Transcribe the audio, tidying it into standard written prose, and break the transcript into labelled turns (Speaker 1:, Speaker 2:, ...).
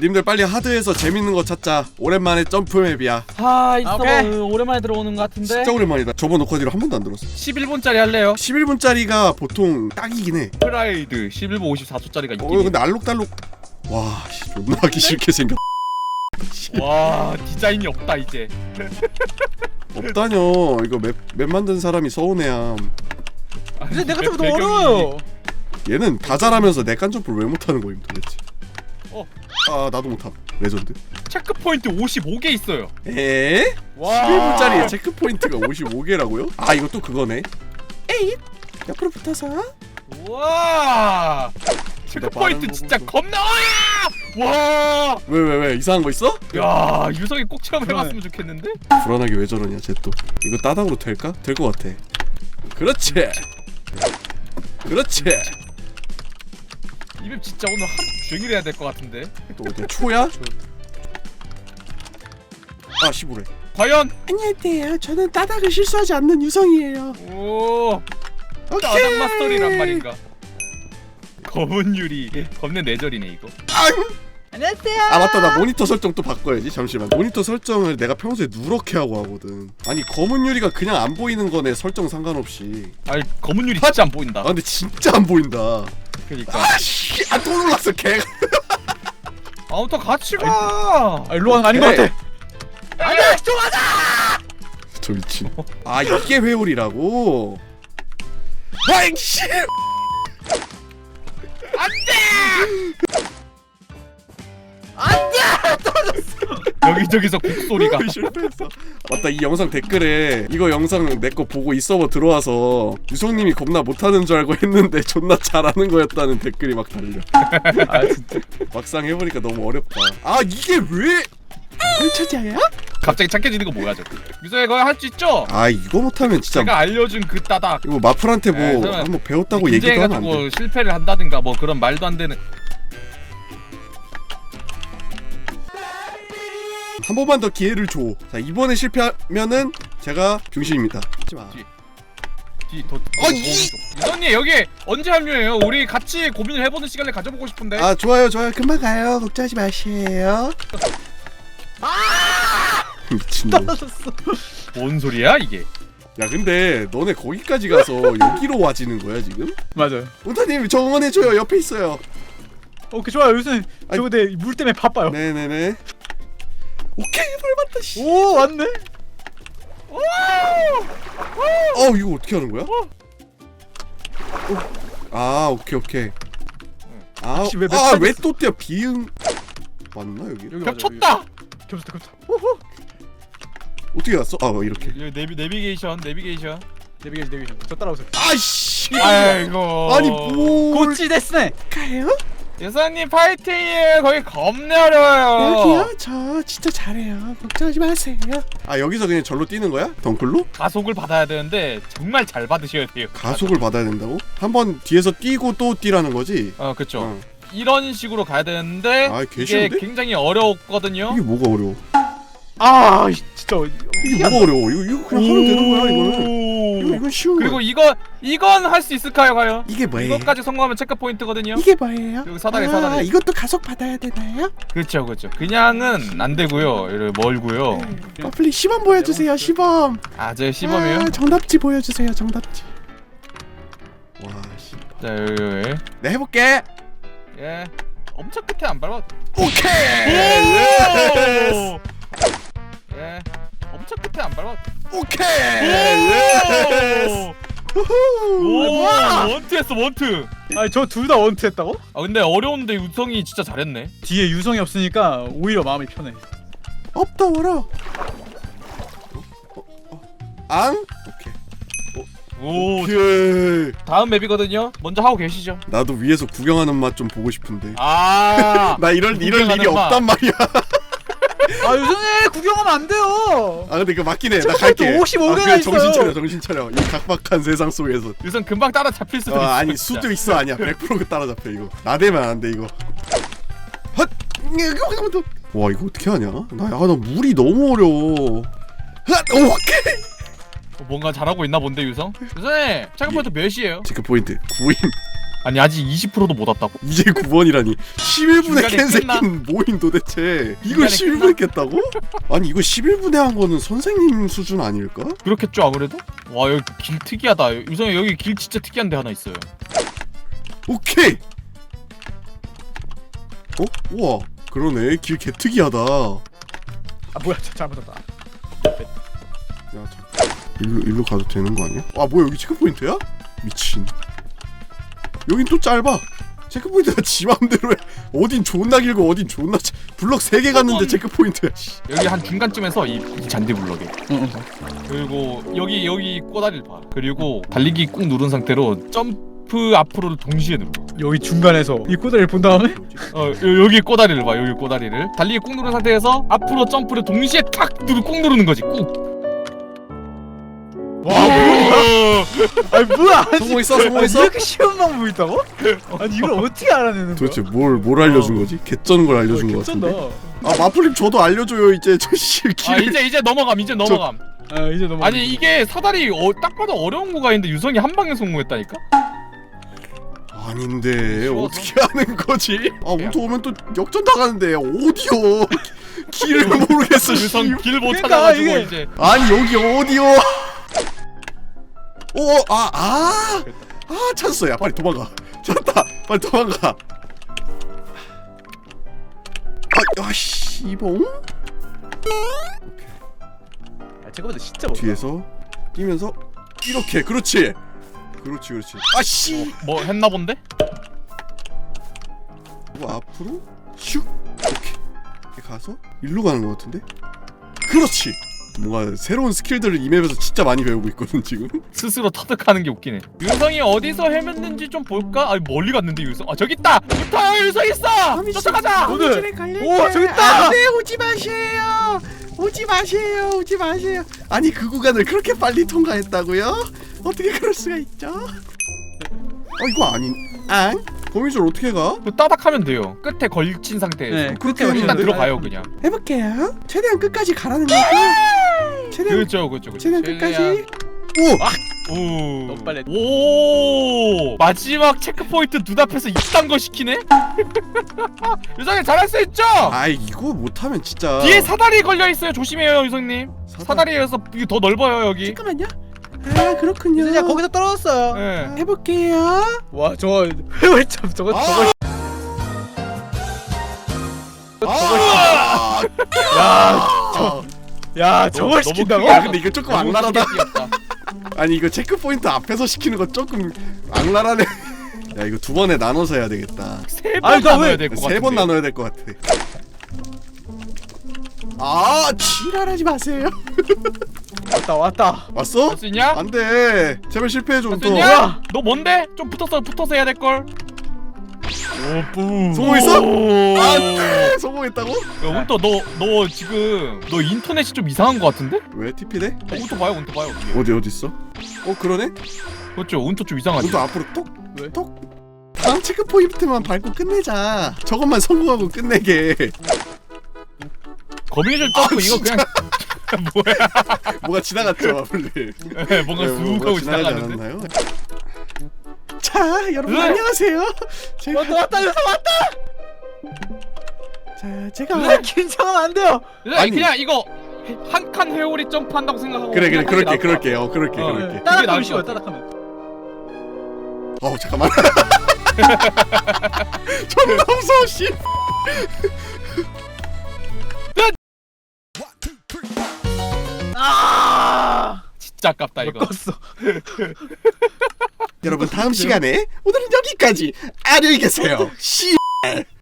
Speaker 1: 님들 빨리 하드에서 재밌는 거 찾자. 오랜만에 점프맵이야.
Speaker 2: 있어. 오랜만에 들어오는 것 같은데.
Speaker 1: 진짜 오랜만이다. 저번 녹화 뒤로 한 번도 안 들었어.
Speaker 2: 11분짜리 할래요?
Speaker 1: 11분짜리가 보통 딱이긴 해.
Speaker 2: 프라이드 11분 54초짜리가 있긴 해.
Speaker 1: 근데 알록달록. 와, 씨, 존나 하기 싫게 생겼.
Speaker 2: 와, 디자인이 없다 이제.
Speaker 1: 없다뇨. 이거 맵 만든 사람이 서운해야.
Speaker 3: 근데 내가 좀 더 어려워요.
Speaker 1: 얘는 다 잘하면서 내깐 점프를 왜 못하는 거임 도대체. 아, 나도 못함. 레전드.
Speaker 2: 체크포인트 55개 있어요.
Speaker 1: 에? 11분짜리에 체크포인트가 55개라고요? 아, 이거 또 그거네. 에잇! 옆으로 붙어서.
Speaker 2: 와, 체크포인트 진짜 겁나. 와.
Speaker 1: 왜 이상한 거 있어?
Speaker 2: 야, 유성이 꼭 체험해봤으면 좋겠는데?
Speaker 1: 불안하게 왜 저러냐 쟤 또. 이거 따닥으로 될까? 될 것 같아. 그렇지. 그렇지.
Speaker 2: 이 맵 진짜 오늘 하루 종일 해야 될 것 같은데.
Speaker 1: 또 어디야? 초야? 아, 15래.
Speaker 2: 과연?
Speaker 1: 안녕하세요. 저는 따닥을 실수하지 않는 유성이에요.
Speaker 2: 오, 따닥 마스터리란 말인가? 검은 유리 겁내 내절이네 이거.
Speaker 3: 안녕하세요.
Speaker 1: 아, 맞다. 나 모니터 설정 또 바꿔야지. 잠시만. 모니터 설정을 내가 평소에 누렇게 하고 하거든. 아니, 검은 유리가 그냥 안 보이는 거네. 설정 상관없이.
Speaker 2: 아니, 검은 유리 진짜 안 보인다.
Speaker 1: 아, 근데 진짜 안 보인다.
Speaker 2: 그러니까.
Speaker 1: 아씨, 또 놀랐어 개.
Speaker 2: 아무튼 같이 가.
Speaker 3: 일로 가는 거 아닌 것 같아.
Speaker 2: 안돼, 좋아하자.
Speaker 1: 저 미친. 아, 이게 회오리라고? 와잉씨.
Speaker 2: 여기저기서 곡소리가.
Speaker 1: 실패했어. 맞다, 이 영상 댓글에 이거 영상 내 거 보고 이 서버 들어와서 유성님이 겁나 못하는 줄 알고 했는데 존나 잘하는 거였다는 댓글이 막 달려.
Speaker 3: 아 진짜.
Speaker 1: 막상 해보니까 너무 어렵다. 아, 이게 왜? 펼쳐져야?
Speaker 2: 갑자기 착해지는 거 뭐야 저거. 유성이 거의 할 수 있죠?
Speaker 1: 아, 이거 못하면 진짜.
Speaker 2: 제가 알려준 그 따닥.
Speaker 1: 이거 마플한테 뭐
Speaker 2: 네, 설마
Speaker 1: 한번 배웠다고 얘기도 하면 안 돼.
Speaker 2: 긴장해가지고 실패를 한다든가 뭐 그런 말도 안 되는.
Speaker 1: 한 번만 더 기회를 줘. 자, 이번에 실패하면은 제가 병신입니다. 하지마.
Speaker 2: 유성님 여기 언제 합류해요? 우리 같이 고민을 해보는 시간을 가져보고 싶은데.
Speaker 1: 아, 좋아요. 금방 가요. 걱정하지 마세요. 미친놈.
Speaker 2: 뭔 소리야 이게?
Speaker 1: 야, 근데 너네 거기까지 가서 여기로 와지는 거야 지금?
Speaker 3: 맞아요.
Speaker 1: 운타님 저 응원해줘요. 옆에 있어요.
Speaker 3: 오케이 좋아요. 요새 저거 내 물 때문에 바빠요.
Speaker 1: 네네네. 오케이, 벌 받다. 씨.
Speaker 3: 오 왔네.
Speaker 1: 이거 어떻게 하는 거야? 아, 오케이.
Speaker 3: 혹시 왜
Speaker 1: 왜 또 뛰어? 비응 맞나 여기?
Speaker 2: 겹쳤다.
Speaker 3: 겹쳤다.
Speaker 1: 어떻게 갔어? 이렇게.
Speaker 2: 여기 내비게이션.
Speaker 3: 내비게이션. 저 따라오세요.
Speaker 1: 아이씨.
Speaker 2: 아이고.
Speaker 1: 아니 뭐?
Speaker 3: 고치 데스네.
Speaker 1: 가요?
Speaker 2: 유성님 파이팅이에요. 거기 겁나 어려워요.
Speaker 1: 여기요? 저 진짜 잘해요. 걱정하지 마세요. 아, 여기서 그냥 절로 뛰는 거야? 덩클로?
Speaker 2: 가속을 받아야 되는데 정말 잘 받으셔야 돼요.
Speaker 1: 가속을 받아야 된다고? 한번 뒤에서 뛰고 또 뛰라는 거지?
Speaker 2: 그쵸. 이런 식으로 가야 되는데
Speaker 1: 개
Speaker 2: 이게
Speaker 1: 쉬운데?
Speaker 2: 굉장히 어렵거든요.
Speaker 1: 이게 뭐가 어려워?
Speaker 3: 진짜
Speaker 1: 이게 뭐가 어려워? 이거 그냥 하면 되는 거야 이거는. 이건 쉬운
Speaker 2: 그리고
Speaker 1: 거야.
Speaker 2: 이건 할 수 있을까요, 과연?
Speaker 1: 이게 뭐예요?
Speaker 2: 이것까지 성공하면 체크 포인트거든요.
Speaker 1: 이게 뭐예요?
Speaker 2: 여기 사다리.
Speaker 1: 이것도 가속 받아야 되나요?
Speaker 2: 그렇죠. 그냥은 안 되고요. 이렇게 멀고요.
Speaker 1: 빨리 시범 보여주세요. 시범.
Speaker 2: 저 시범이에요?
Speaker 1: 정답지 보여주세요. 정답지. 와, 씨.
Speaker 2: 자, 여기.
Speaker 1: 네, 해볼게.
Speaker 2: 예. 엄청 끝에 안 밟아.
Speaker 1: 오케이.
Speaker 2: 오! 예. 엄청 끝에 안 밟아.
Speaker 1: 오케이.
Speaker 2: 오! 원투했어, 원투.
Speaker 3: 저 둘 다 원투했다고?
Speaker 2: 근데 어려운데 유성이 진짜 잘했네.
Speaker 3: 뒤에 유성이 없으니까 오히려 마음이 편해.
Speaker 1: 없더워라. 앙? 오케이.
Speaker 2: 다음 맵이거든요. 먼저 하고 계시죠.
Speaker 1: 나도 위에서 구경하는 맛 좀 보고 싶은데.
Speaker 2: 나
Speaker 1: 이럴 일이 없단 말이야.
Speaker 3: 유성이 구경하면 안 돼요.
Speaker 1: 근데 이거 맞긴 해. 나 갈게.
Speaker 3: 55개나 있어요.
Speaker 1: 정신 차려. 이 각박한 세상 속에서.
Speaker 2: 유성 금방 따라 잡힐 수도 있어.
Speaker 1: 아니,
Speaker 2: 진짜.
Speaker 1: 수도 있어. 아니야. 100% 따라잡혀 이거. 나대면 안 돼 이거. 헛. 와, 이거 어떻게 하냐? 나 물이 너무 어려워. 헛. 오케이.
Speaker 2: 뭔가 잘하고 있나 본데 유성? 유성이 체크포인트 몇이에요?
Speaker 1: 체크포인트 9임.
Speaker 2: 아니 아직 20%도 못 왔다고?
Speaker 1: 이제 9번이라니 11분에 깬
Speaker 2: 끝나?
Speaker 1: 새끼는 뭐인 도대체. 이걸
Speaker 2: 중간에
Speaker 1: 11분에 깼다고? 아니 이거 11분에 한 거는 선생님 수준 아닐까?
Speaker 2: 그렇겠죠 아무래도? 와 여기 길 특이하다. 유성이 여기 길 진짜 특이한 데 하나 있어요.
Speaker 1: 오케이. 우와 그러네. 길 개특이하다. 야
Speaker 3: 아 뭐야 잘못했다.
Speaker 1: 잠깐 일로 가도 되는 거 아니야? 아 뭐야 여기 체크포인트야? 미친. 여긴 또 짧아. 체크포인트가 지 맘대로 해. 어딘 존나 길고 어딘 존나 블럭 3개 갔는데 체크포인트야.
Speaker 2: 여기 한 중간쯤에서 이 잔디 블럭에.
Speaker 3: 응.
Speaker 2: 그리고 여기 꼬다리를 봐. 그리고 달리기 꾹 누른 상태로 점프 앞으로를 동시에 눌러.
Speaker 3: 여기 중간에서 이 꼬다리를 본 다음에
Speaker 2: 여기 꼬다리를 봐. 여기 꼬다리를 달리기 꾹 누른 상태에서 앞으로 점프를 동시에 꾹 누르는 거지. 꾹.
Speaker 3: 와 아니 뭐야
Speaker 1: 성공했어,
Speaker 3: 아니,
Speaker 1: 성공했어?
Speaker 3: 이렇게 쉬운 방법이 있다고? 아니 이걸 어떻게 알아내는 거야?
Speaker 1: 도대체 뭘 알려준 거지? 개쩌는 걸 알려준 거
Speaker 3: 개쩐다.
Speaker 1: 같은데. 아 마플님 저도 알려줘요 이제. 저씨
Speaker 2: 아
Speaker 1: 길.
Speaker 2: 이제 넘어감. 이제 넘어감.
Speaker 3: 아 이제 너무
Speaker 2: 아니 이게 사다리 딱 봐도 어려운 구간인데 유성이 한 방에 성공했다니까?
Speaker 1: 아닌데
Speaker 2: 쉬워서?
Speaker 1: 어떻게 하는 거지? 아 우토 오면 또 역전 당하는데 어디요? 길을 모르겠어.
Speaker 2: 유성
Speaker 1: 씨.
Speaker 2: 길 못
Speaker 3: 그러니까
Speaker 2: 찾아가지고
Speaker 3: 이게-
Speaker 2: 이제
Speaker 1: 아니 여기 어디요? 찾았어. 야 빨리 도망가. 찾았다. 빨리 도망가. 씨봉.
Speaker 3: 아 잠깐만 진짜 못다.
Speaker 1: 뒤에서 뛰면서 이렇게. 그렇지. 아씨.
Speaker 2: 뭐 했나 본데?
Speaker 1: 그리고 앞으로 슉. 이렇게 가서 일로 가는 것 같은데? 그렇지. 뭔가 새로운 스킬들을 이 맵에서 진짜 많이 배우고 있거든 지금.
Speaker 2: 스스로 터득하는 게 웃기네. 유성이 어디서 헤맸는지 좀 볼까? 아니 멀리 갔는데 유성. 아 저기 있다. 붙어 유성 있어. 쫓아가자.
Speaker 3: 오늘 오 저기 있다.
Speaker 1: 안돼 오지 마세요. 아니 그 구간을 그렇게 빨리 통과했다고요? 어떻게 그럴 수가 있죠? 이거 아닌. 거미줄 어떻게 가?
Speaker 2: 그 따닥하면 돼요. 끝에 걸친 상태에서.
Speaker 3: 네,
Speaker 1: 그렇게
Speaker 3: 끝에
Speaker 2: 일단
Speaker 1: 걸리는데?
Speaker 2: 들어가요 그냥.
Speaker 1: 해볼게요. 최대한 끝까지 가라는 거죠. 최대한
Speaker 2: 그렇죠.
Speaker 1: 최대한 끝까지.
Speaker 2: 오.
Speaker 3: 너무 빨리 했다.
Speaker 2: 오. 마지막 체크 포인트 눈앞에서 이딴 거 시키네. 유성이 잘할 수 있죠?
Speaker 1: 이거 못하면 진짜.
Speaker 2: 뒤에 사다리 걸려 있어요. 조심해요 유성님. 사다리에서 이게 더 넓어요 여기.
Speaker 1: 잠깐만요. 그렇군요.
Speaker 3: 진짜 거기서 떨어졌어요.
Speaker 2: 네.
Speaker 1: 해볼게요.
Speaker 3: 와 저거 회월참 저거 야 저걸 시킨다고?
Speaker 1: 야 근데 이거 조금
Speaker 2: 너무
Speaker 1: 악랄하다.
Speaker 2: 크게 뛰었다.
Speaker 1: 아니 이거 체크 포인트 앞에서 시키는 거 조금 악랄하네. 야 이거 2번에 나눠서 해야 되겠다.
Speaker 2: 세
Speaker 3: 아니,
Speaker 2: 번
Speaker 3: 나
Speaker 2: 나눠야
Speaker 3: 왜-
Speaker 2: 될 것 같은데.
Speaker 1: 3번 나눠야 될 것 같아. 지랄하지 마세요.
Speaker 3: 왔다.
Speaker 1: 왔어?
Speaker 2: 할 수 있냐?
Speaker 1: 안돼. 제발 실패해줘.
Speaker 2: 할 수
Speaker 1: 또.
Speaker 2: 있냐? 너 뭔데? 좀 붙어서 해야 될 걸.
Speaker 1: 성공했어?
Speaker 2: 오.
Speaker 1: 안돼. 성공했다고?
Speaker 2: 야 운터 너 지금 너 인터넷이 좀 이상한 것 같은데?
Speaker 1: 왜 TP돼?
Speaker 2: 운터 봐요 운터 봐요.
Speaker 1: 어디 있어? 그러네.
Speaker 2: 그렇죠 운터 좀 이상하지.
Speaker 1: 우도 앞으로 톡.
Speaker 3: 왜?
Speaker 1: 톡. 다음 체크 포인트만 밟고 끝내자. 저것만 성공하고 끝내게.
Speaker 2: 거미줄 점프 이거 그냥 뭐야?
Speaker 1: 뭐가 지나갔죠, 마블님.
Speaker 2: 뭔가 쑥
Speaker 1: 뭐가
Speaker 2: 하고
Speaker 1: 지나가지
Speaker 2: 지나가는데.
Speaker 1: 않았나요? 자, 여러분
Speaker 2: 네.
Speaker 1: 안녕하세요. 제가
Speaker 3: 왔다
Speaker 1: 자, 제가
Speaker 3: 누나 긴장하면 안 돼요.
Speaker 1: 아니.
Speaker 2: 그냥 이거 한 칸 회오리 점프한다고 생각하고
Speaker 1: 그래
Speaker 2: 그냥 하는 게 나을 것
Speaker 1: 그렇게
Speaker 2: 같아.
Speaker 1: 그렇게.
Speaker 2: 나을
Speaker 3: 따닥하면
Speaker 2: 것
Speaker 3: 쉬워요.
Speaker 2: 같아.
Speaker 3: 따닥하면.
Speaker 1: 잠깐만. 존나 무서워 씨.
Speaker 2: 진짜 아깝다 이거.
Speaker 3: 껐어.
Speaker 1: 여러분 다음 시간에 오늘은 여기까지. 안녕히 계세요. 씨.